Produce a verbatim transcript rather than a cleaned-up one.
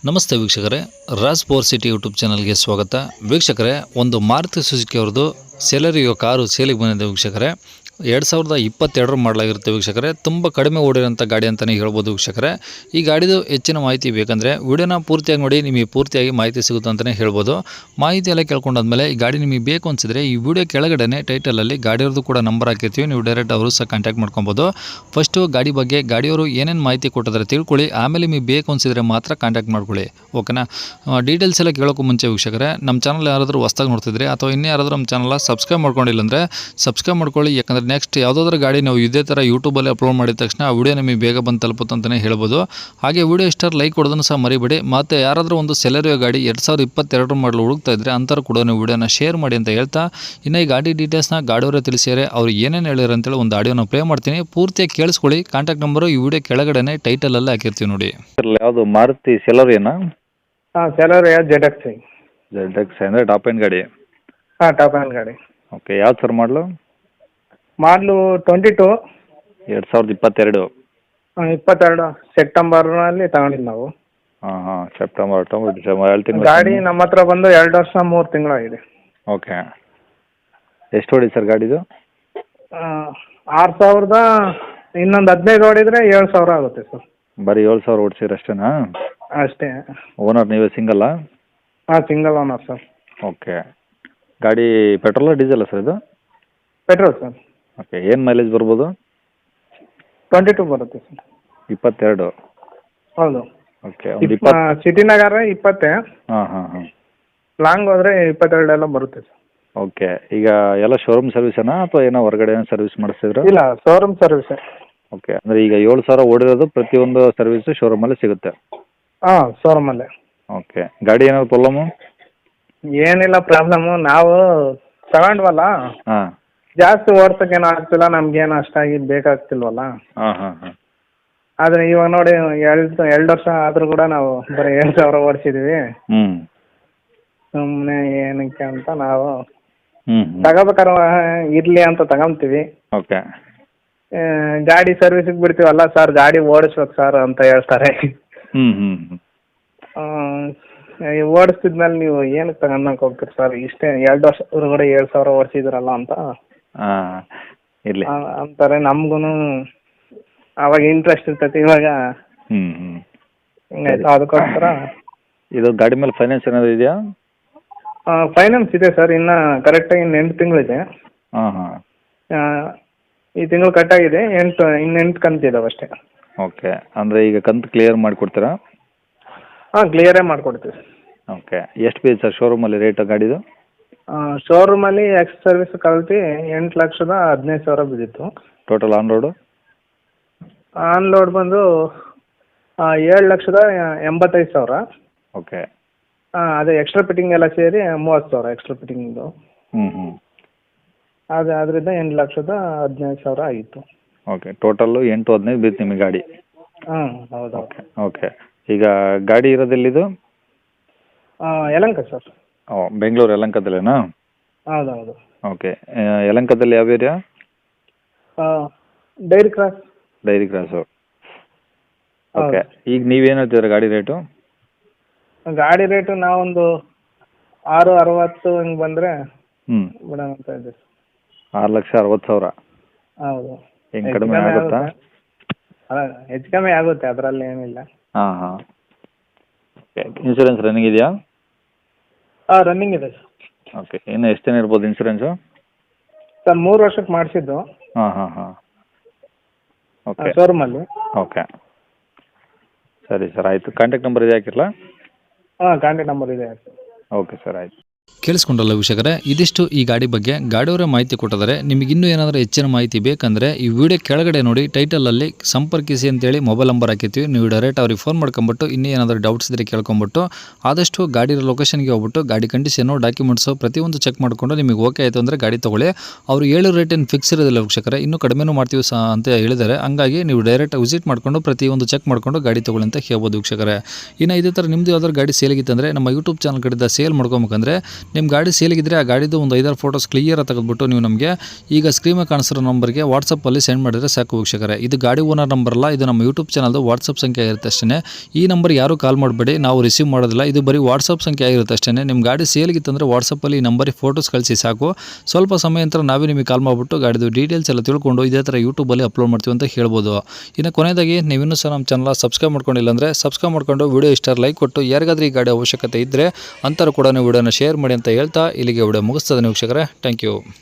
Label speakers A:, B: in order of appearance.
A: ನಮಸ್ತೆ ವೀಕ್ಷಕರೇ, Raj power city YouTube ಚಾನಲ್ಗೆ ಸ್ವಾಗತ. ವೀಕ್ಷಕರೇ, ಒಂದು ಮಾರುತಿ ಸುಜುಕಿ ಅವ್ರದ್ದು ಸೆಲೆರಿಯೋ ಕಾರು ಸೇಲಿಗೆ ಬಂದಿದೆ ವೀಕ್ಷಕರೇ. ಎರಡು ಸಾವಿರದ ಇಪ್ಪತ್ತೆರಡರ ಮಾಡಲಾಗಿರುತ್ತೆ ವೀಕ್ಷಕರೇ. ತುಂಬ ಕಡಿಮೆ ಓಡಿರೋಂಥ ಗಾಡಿ ಅಂತಲೇ ಹೇಳ್ಬೋದು ವೀಕ್ಷಕರೇ. ಈ ಗಾಡಿದು ಹೆಚ್ಚಿನ ಮಾಹಿತಿ ಬೇಕಂದರೆ ವಿಡಿಯೋನ ಪೂರ್ತಿಯಾಗಿ ನೋಡಿ, ನಿಮಗೆ ಪೂರ್ತಿಯಾಗಿ ಮಾಹಿತಿ ಸಿಗುತ್ತೆ ಅಂತಲೇ ಹೇಳ್ಬೋದು. ಮಾಹಿತಿ ಎಲ್ಲ ಕೇಳ್ಕೊಂಡಾದ್ಮೇಲೆ ಈ ಗಾಡಿ ನಿಮಗೆ ಬೇಕು ಅನಿಸಿದ್ರೆ ಈ ವಿಡಿಯೋ ಕೆಳಗಡೆ ಟೈಟಲಲ್ಲಿ ಗಾಡಿಯವ್ರದ್ದು ಕೂಡ ನಂಬರ್ ಹಾಕಿರ್ತೀವಿ, ನೀವು ಡೈರೆಕ್ಟ್ ಅವರು ಸಹ ಕಾಂಟ್ಯಾಕ್ಟ್ ಮಾಡ್ಕೊಬೋದು. ಫಸ್ಟು ಗಾಡಿ ಬಗ್ಗೆ ಗಾಡಿಯವರು ಏನೇನು ಮಾಹಿತಿ ಕೊಟ್ಟಿದ್ದಾರೆ ತಿಳ್ಕೊಳ್ಳಿ, ಆಮೇಲೆ ನಿಮಗೆ ಬೇಕು ಅನಿಸಿದ್ರೆ ಮಾತ್ರ ಕಾಂಟ್ಯಾಕ್ಟ್ ಮಾಡ್ಕೊಳ್ಳಿ, ಓಕೆನಾ. ಡೀಟೇಲ್ಸ್ ಎಲ್ಲ ಕೇಳೋಕ್ಕೂ ಮುಂಚೆ ವೀಕ್ಷಕರೇ, ನಮ್ಮ ಚಾನಲ್ ಯಾರಾದರೂ ಹೊಸ್ದಾಗಿ ನೋಡ್ತಿದ್ರೆ ಅಥವಾ ಇನ್ನೂ ಯಾರಾದರೂ ನಮ್ಮ ಚಾನಲ್ ಸಬ್ಸ್ಕ್ರೈಬ್ ಮಾಡ್ಕೊಂಡಿಲ್ಲ ಅಂದರೆ ಸಬ್ಸ್ಕ್ರೈಬ್ ಮಾಡ್ಕೊಳ್ಳಿ. ಯಾಕಂದರೆ ನೆಕ್ಸ್ಟ್ ಯಾವುದಾದ್ರೂ ಗಾಡಿ ನಾವು ಇದೇ ಥರ ಯೂಟ್ಯೂಬಲ್ಲಿ ಅಪ್ಲೋಡ್ ಮಾಡಿದ ತಕ್ಷಣ ಆ ವಿಡಿಯೋ ನಿಮಗೆ ಬೇಗ ಬಂದು ತಲುಪುತ್ತೆ ಅಂತಲೇ ಹೇಳ್ಬೋದು. ಹಾಗೆ ವಿಡಿಯೋ ಇಷ್ಟಾರು ಲೈಕ್ ಕೊಡೋದನ್ನು ಸಹ ಮರಿಬೇಡಿ. ಮತ್ತು ಯಾರಾದರೂ ಒಂದು ಸೆಲೆರಿಯೋ ಗಾಡಿ ಎರಡು ಸಾವಿರದ ಇಪ್ಪತ್ತೆರಡರ ಮಾಡಲು ಹುಡುಕ್ತಾ ಇದ್ದರೆ ಅಂಥವ್ರು ಕೂಡ ನೀವು ವಿಡಿಯೋನ ಶೇರ್ ಮಾಡಿ ಅಂತ ಹೇಳ್ತಾ, ಇನ್ನು ಈ ಗಾಡಿ ಡೀಟೇಲ್ಸ್ನ ಗಾಡಿಯವರೇ ತಿಳಿಸಿದರೆ ಅವ್ರು ಏನೇನು ಹೇಳಿದ್ರು ಅಂತೇಳಿ ಒಂದು ಆಡಿಯೋನ ಪ್ಲೇ ಮಾಡ್ತೀನಿ, ಪೂರ್ತಿಯಾಗಿ ಕೇಳಿಸ್ಕೊಳ್ಳಿ. ಕಾಂಟ್ಯಾಕ್ಟ್ ನಂಬರು ಈ ವಿಡಿಯೋ ಕೆಳಗಡೆ ಟೈಟಲಲ್ಲಿ ಹಾಕಿರ್ತೀವಿ ನೋಡಿ.
B: ಯಾವುದು ಮಾರುತಿ ಸೆಲೆರಿಯೋನಾ?
C: ಹಾಂ, Celerio Z X I.
B: Z X ಅಂದರೆ ಟಾಪ್ ಎಂಡ್ ಗಾಡಿ.
C: ಹಾಂ, ಟಾಪ್ ಆ್ಯಂಡ್ ಗಾಡಿ.
B: ಓಕೆ, ಯಾವ್ದು ಸರ್ ಮಾಡಲು?
C: ಮಾಡಲು ಟ್ವೆಂಟಿ ಟು
B: ಎರಡು ಸಾವಿರದ ಇಪ್ಪತ್ತೆರಡು.
C: ಇಪ್ಪತ್ತೆರಡು ಸೆಪ್ಟೆಂಬರ್ನಲ್ಲಿ ತಗೊಂಡಿದ್ದು ನಾವು.
B: ಹಾಂ ಹಾಂ ಸೆಪ್ಟೆಂಬರ್ ಅಕ್ಟೋಬರ್ ಡಿಸೆಂಬರ್ ಎರಡು ತಿಂಗಳು
C: ಗಾಡಿ ನಮ್ಮ ಹತ್ರ ಬಂದು ಎರಡು ವರ್ಷ ಮೂರು ತಿಂಗಳಾಗಿದೆ.
B: ಓಕೆ, ಎಷ್ಟು ಹೊಡಿ ಸರ್ ಗಾಡಿದು?
C: ಆರು ಸಾವಿರದ ಇನ್ನೊಂದು ಹದಿನೈದು ಹೊಡಿದ್ರೆ ಏಳು ಸಾವಿರ ಆಗುತ್ತೆ ಸರ್.
B: ಬರೀ ಏಳು ಸಾವಿರ ಓಡಿಸಿರ ಅಷ್ಟೇನಾ?
C: ಅಷ್ಟೇ.
B: ಓನರ್ ನೀವೇ ಸಿಂಗಲ್ಲಾ?
C: ಹಾಂ, ಸಿಂಗಲ್ ಓನರ್ ಸರ್.
B: ಓಕೆ, ಗಾಡಿ ಪೆಟ್ರೋಲ ಡೀಸೆಲ್ಲ ಸರ್ ಇದು?
C: Petrol sir.
B: ಓಕೆ, ಏನು ಮೈಲೇಜ್ ಬರ್ಬೋದು?
C: ಟ್ವೆಂಟಿ ಟು ಬರುತ್ತೆ ಸರ್.
B: ಇಪ್ಪತ್ತೆರಡು.
C: ಹೌದು.
B: ಓಕೆ, ಒಂದು ಇಪ್ಪತ್ತು
C: ಸಿಟಿನಾಗಾದ್ರೆ ಇಪ್ಪತ್ತೇ.
B: ಹಾಂ ಹಾಂ ಹಾಂ
C: ಲಾಂಗ್ ಹೋದರೆ ಇಪ್ಪತ್ತೆರಡು ಎಲ್ಲ ಬರುತ್ತೆ ಸರ್.
B: ಓಕೆ, ಈಗ ಎಲ್ಲ ಶೋರೂಮ್ ಸರ್ವಿಸೇನಾ ಅಥವಾ ಏನೋ ಹೊರಗಡೆ ಏನೋ ಸರ್ವಿಸ್ ಮಾಡಿಸ್ತಿದ್ರು?
C: ಇಲ್ಲ, ಶೋರೂಮ್ ಸರ್ವಿಸೇ.
B: ಓಕೆ, ಅಂದರೆ ಈಗ ಏಳು ಸಾವಿರ ಓಡಿರೋದು ಪ್ರತಿಯೊಂದು ಸರ್ವಿಸು ಶೋರೂಮಲ್ಲಿ ಸಿಗುತ್ತೆ?
C: ಹಾಂ, ಶೋರೂಮಲ್ಲೇ.
B: ಓಕೆ, ಗಾಡಿ ಏನಾದ್ರು ಪ್ರಾಬ್ಲಮ್ಮು?
C: ಏನಿಲ್ಲ ಪ್ರಾಬ್ಲಮ್ಮು, ನಾವು ತಗೊಂಡ್ವಲ್ಲ
B: ಹಾಂ
C: ಜಾಸ್ತಿ ಓಡ್ಸೋಕ್ಕೇನು ಆಗ್ತಿಲ್ಲ, ನಮಗೇನು ಅಷ್ಟಾಗಿ ಬೇಕಾಗ್ತಿಲ್ವಲ್ಲ.
B: ಹಾಂ ಹಾಂ ಹಾಂ
C: ಆದರೆ ಇವಾಗ ನೋಡಿ ಎರಡು ಎರಡು ವರ್ಷ ಆದರೂ ಕೂಡ ನಾವು ಬರೀ ಏಳು ಸಾವಿರ ಓಡಿಸಿದ್ದೀವಿ.
B: ಹ್ಞೂ
C: ಸುಮ್ಮನೆ ಏನಕ್ಕೆ ಅಂತ ನಾವು
B: ಹ್ಞೂ
C: ತಗೋಬೇಕಾದ್ರೆ ಇರಲಿ ಅಂತ ತಗೊಂತೀವಿ.
B: ಓಕೆ,
C: ಗಾಡಿ ಸರ್ವಿಸಿಗೆ ಬಿಡ್ತೀವಲ್ಲ ಸರ್, ಗಾಡಿ ಓಡಿಸ್ಬೇಕು ಸರ್ ಅಂತ ಹೇಳ್ತಾರೆ.
B: ಹ್ಞೂ ಹ್ಞೂ ಹ್ಞೂ
C: ಓಡಿಸ್ತಿದ್ಮೇಲೆ ನೀವು ಏನಕ್ಕೆ ತಗೊಂಡಂಗೆ ಹೋಗ್ತೀರಿ ಸರ್, ಇಷ್ಟೇ ಎರಡು ವರ್ಷ ಹೊರಗಡೆ ಏಳು ಸಾವಿರ ಓಡಿಸಿದ್ರಲ್ಲ ಅಂತ
B: ಹಾಂ ಇರಲಿ
C: ಅಂತಾರೆ. ನಮಗೂ ಅವಾಗ ಇಂಟ್ರೆಸ್ಟ್ ಇರ್ತೈತಿ, ಇವಾಗ
B: ಹ್ಞೂ ಹ್ಞೂ
C: ಹಿಂಗಾಯ್ತು. ಅದಕ್ಕೋಸ್ಕರ
B: ಇದು ಗಾಡಿ ಮೇಲೆ ಫೈನಾನ್ಸ್ ಏನಾದರೂ ಇದೆಯಾ?
C: ಫೈನಾನ್ಸ್ ಇದೆ ಸರ್, ಇನ್ನು ಕರೆಕ್ಟಾಗಿ ಇನ್ನು ಎಂಟು ತಿಂಗಳಿದೆ.
B: ಹಾಂ ಹಾಂ
C: ಈ ತಿಂಗಳು ಕಟ್ಟಾಗಿದೆ, ಎಂಟು ಇನ್ನು ಎಂಟು ಕಂತಿದ್ದಾವೆ ಅಷ್ಟೇ.
B: ಓಕೆ, ಅಂದರೆ ಈಗ ಕಂತು ಕ್ಲಿಯರ್ ಮಾಡಿಕೊಡ್ತೀರಾ?
C: ಹಾಂ, ಕ್ಲಿಯರೇ ಮಾಡಿಕೊಡ್ತೀವಿ.
B: ಓಕೆ, ಎಷ್ಟು ಬೀಳುತ್ತೆ ಸರ್ ಶೋರೂಮಲ್ಲಿ ರೇಟ್ ಗಾಡಿದು?
C: ಶೋರೂಮಲ್ಲಿ ಎಕ್ಸ್ ಸರ್ವಿಸ್ ಕಲ್ತು ಎಂಟು ಲಕ್ಷದ ಹದಿನೈದು ಸಾವಿರ ಬಿದ್ದಿತ್ತು.
B: Total on road?
C: On road ಬಂದು ಏಳು ಲಕ್ಷದ ಎಂಬತ್ತೈದು ಸಾವಿರ.
B: ಓಕೆ,
C: ಹಾಂ, ಅದೇ ಎಕ್ಸ್ಟ್ರಾ ಫಿಟ್ಟಿಂಗ್ ಎಲ್ಲ ಸೇರಿ ಮೂವತ್ತು ಸಾವಿರ ಎಕ್ಸ್ಟ್ರಾ ಫಿಟ್ಟಿಂಗ್ದು.
B: ಹ್ಞೂ ಹ್ಞೂ
C: ಅದು ಅದರಿಂದ ಎಂಟು ಲಕ್ಷದ ಹದಿನೈದು ಸಾವಿರ ಆಗಿತ್ತು.
B: ಓಕೆ, ಟೋಟಲ್ಲು ಎಂಟು ಹದಿನೈದು ಬೀಳುತ್ತೆ ನಿಮಗೆ ಗಾಡಿ?
C: ಹಾಂ, ಹೌದು.
B: ಓಕೆ ಓಕೆ, ಈಗ ಗಾಡಿ ಇರೋದೆಲ್ಲಿದು?
C: ಯಲಹಂಕ ಸರ್.
B: ಓ, ಬೆಂಗಳೂರು ಯಲಹಂಕದಲ್ಲೇನಾ?
C: ಹೌದು ಹೌದು.
B: ಓಕೆ, ಯಲಹಂಕದಲ್ಲಿ ಯಾವ area?
C: Dairy cross.
B: Dairy cross. Okay, ಈಗ ನೀವೇನು ಹೇಳ್ತಿದ್ದೀರಾ ಗಾಡಿ ರೇಟು?
C: ಗಾಡಿ ರೇಟು ನಾವೊಂದು ಆರು ಅರವತ್ತು ಹಿಂಗೆ ಬಂದರೆ
B: ಹ್ಞೂ
C: ಬಿಡೋಣ ಅಂತ ಇದ್ದೀವಿ.
B: ಆರು ಲಕ್ಷ ಅರವತ್ತು ಸಾವಿರ.
C: ಹೌದು.
B: ಹೆಂಗೆ ಕಡಿಮೆ ಆಗುತ್ತಾ?
C: ಅಲ್ಲ, ಹೆಚ್ಚು ಕಮ್ಮಿ ಆಗುತ್ತೆ, ಅದರಲ್ಲಿ ಏನಿಲ್ಲ.
B: ಹಾಂ ಹಾಂ ಓಕೆ, ಇನ್ಶೂರೆನ್ಸ್ ರನ್ನಿಂಗ್ ಇದೆಯಾ?
C: ಹಾಂ, ರನ್ನಿಂಗ್ ಇದೆ ಸರ್.
B: ಓಕೆ, ಇನ್ನು ಎಷ್ಟು ದಿನ ಇರ್ಬೋದು ಇನ್ಶೂರೆನ್ಸು?
C: ಸರ್, ಮೂರು ವರ್ಷಕ್ಕೆ ಮಾಡಿಸಿದ್ದು.
B: ಹಾಂ ಹಾಂ ಹಾಂ ಓಕೆ,
C: ಶೋರೂಮಲ್ಲಿ.
B: ಓಕೆ ಸರಿ ಸರ್, ಆಯಿತು. ಕಾಂಟ್ಯಾಕ್ಟ್ ನಂಬರ್ ಇದೆ ಹಾಕಿರಲಾ?
C: ಹಾಂ, ಕಾಂಟ್ಯಾಕ್ಟ್ ನಂಬರ್ ಇದೆ ಸರ್.
B: ಓಕೆ ಸರ್, ಆಯಿತು.
A: ಕೇಳಿಸ್ಕೊಂಡಲ್ಲ ವೀಕ್ಷಕರೇ, ಇದಿಷ್ಟು ಈ ಗಾಡಿ ಬಗ್ಗೆ ಗಾಡಿಯವರೇ ಮಾಹಿತಿ ಕೊಟ್ಟಿದ್ದಾರೆ. ನಿಮಗೆ ಇನ್ನೂ ಏನಾದರೂ ಹೆಚ್ಚಿನ ಮಾಹಿತಿ ಬೇಕಂದರೆ ಈ ವಿಡಿಯೋ ಕೆಳಗಡೆ ನೋಡಿ ಟೈಟಲಲ್ಲಿ ಸಂಪರ್ಕಿಸಿ ಅಂತೇಳಿ ಮೊಬೈಲ್ ನಂಬರ್ ಹಾಕಿರ್ತೀವಿ, ನೀವು ಡೈರೆಕ್ಟ್ ಅವ್ರಿಗೆ ಫೋನ್ ಮಾಡ್ಕೊಂಬಿಟ್ಟು ಇನ್ನೂ ಏನಾದರೂ ಡೌಟ್ಸ್ ಇದ್ದರೆ ಕೇಳ್ಕೊಂಬಿಟ್ಟು ಆದಷ್ಟು ಗಾಡಿ ಲೊಕೇಶನ್ಗೆ ಹೋಗ್ಬಿಟ್ಟು ಗಾಡಿ ಕಂಡೀಷನು ಡಾಕ್ಯುಮೆಂಟ್ಸು ಪ್ರತಿಯೊಂದು ಚೆಕ್ ಮಾಡಿಕೊಂಡು ನಿಮಗೆ ಓಕೆ ಆಯಿತು ಅಂದರೆ ಗಾಡಿ ತೊಗೊಳ್ಳಿ. ಅವರು ಏಳು ರೇಟ್ ಏನು ಫಿಕ್ಸ್ ಇರೋದಿಲ್ಲ ವೀಕ್ಷಕರೇ, ಇನ್ನೂ ಕಡಿಮೆನೂ ಮಾಡ್ತೀವಿ ಸಹ ಅಂತ ಹೇಳಿದ್ದಾರೆ. ಹಂಗಾಗಿ ನೀವು ಡೈರೆಕ್ಟ್ ವಿಸಿಟ್ ಮಾಡಿಕೊಂಡು ಪ್ರತಿಯೊಂದು ಚೆಕ್ ಮಾಡಿಕೊಂಡು ಗಾಡಿ ತೊಗೊಳ್ಳಿ ಅಂತ ಹೇಳ್ಬೋದು ವೀಕ್ಷಕರೇ. ಇನ್ನು ಇದೇ ಥರ ನಿಮ್ಮದು ಯಾವ್ದಾದ್ರು ಗಾಡಿ ಸೇಲಿಗಿತ್ತಂದರೆ ನಮ್ಮ ಯೂಟ್ಯೂಬ್ ಚಾನಲ್ ಕಡೆಯಿಂದ ಸೇಲ್ ಮಾಡ್ಕೊಬೇಕಂದ್ರೆ ನಿಮ್ಮ ಗಾಡಿ ಸೇಲಿಗಿದ್ರೆ ಆ ಗಾಡಿದು ಒಂದು ಐದಾರು ಫೋಟೋಸ್ ಕ್ಲಿಯರಾಗಿ ತೆಗೆದುಬಿಟ್ಟು ನೀವು ನಮಗೆ ಈಗ ಸ್ಕ್ರೀನ್ ಮೇಲೆ ಕಾಣಿಸಿರೋ ನಂಬರ್ಗೆ ವಾಟ್ಸಪ್ಪಲ್ಲಿ ಸೆಂಡ್ ಮಾಡಿದರೆ ಸಾಕು ವೀಕ್ಷಕರೇ. ಇದು ಗಾಡಿ ಓನರ್ ನಂಬರ್ ಅಲ್ಲ, ಇದು ನಮ್ಮ ಯೂಟ್ಯೂಬ್ ಚಾನಲ್ದು ವಾಟ್ಸಪ್ ಸಂಖ್ಯೆ ಇರುತ್ತೆ ಅಷ್ಟೇ. ಈ ನಂಬರ್ ಯಾರು ಕಾಲ್ ಮಾಡಬೇಡಿ, ನಾವು ರಿಸೀವ್ ಮಾಡೋದಿಲ್ಲ. ಇದು ಬರೀ ವಾಟ್ಸಪ್ ಸಂಖ್ಯೆ ಆಗಿರುತ್ತೆ ಅಷ್ಟೇ. ನಿಮ್ಮ ಗಾಡಿ ಸೇಲಿಗಿತ್ತಂದರೆ ವಾಟ್ಸಪ್ಪಲ್ಲಿ ಈ ನಂಬರಿಗೆ ಫೋಟೋಸ್ ಕಳಿಸಿ ಸಾಕು. ಸ್ವಲ್ಪ ಸಮಯ ನಂತರ ನಾವೇ ನಿಮಗೆ ಕಾಲ್ ಮಾಡಿಬಿಟ್ಟು ಗಾಡಿದು ಡೀಟೇಲ್ಸ್ ಎಲ್ಲ ತಿಳ್ಕೊಂಡು ಇದೇ ಥರ ಯೂಟ್ಯೂಬಲ್ಲಿ ಅಪ್ಲೋಡ್ ಮಾಡ್ತೀವಿ ಅಂತ ಹೇಳ್ಬೋದು. ಇನ್ನು ಕೊನೆಯದಾಗಿ ನೀವು ಇನ್ನೂ ಸಹ ನಮ್ಮ ಚಾನಲ್ ಸಬ್ಸ್ಕ್ರೈಬ್ ಮಾಡ್ಕೊಂಡಿಲ್ಲ ಅಂದರೆ ಸಬ್ಸ್ಕ್ರೈಬ್ ಮಾಡ್ಕೊಂಡು ವಿಡಿಯೋ ಇಷ್ಟ ಲೈಕ್ ಕೊಟ್ಟು ಯಾರಿಗಾದ್ರೂ ಈ ಗಾಡಿ ಅವಶ್ಯಕತೆ ಇದ್ದರೆ ಅಂಥವ್ರು ಕೂಡ ವಿಡಿಯೋನ ಶೇರ್ ಮಾಡಿ ಅಂತ ಹೇಳ್ತಾ ಇಲ್ಲಿಗೆ ವಿಡಿಯೋ ಮುಗಿಸ್ತದೆ ವೀಕ್ಷಕರೇ. Thank you.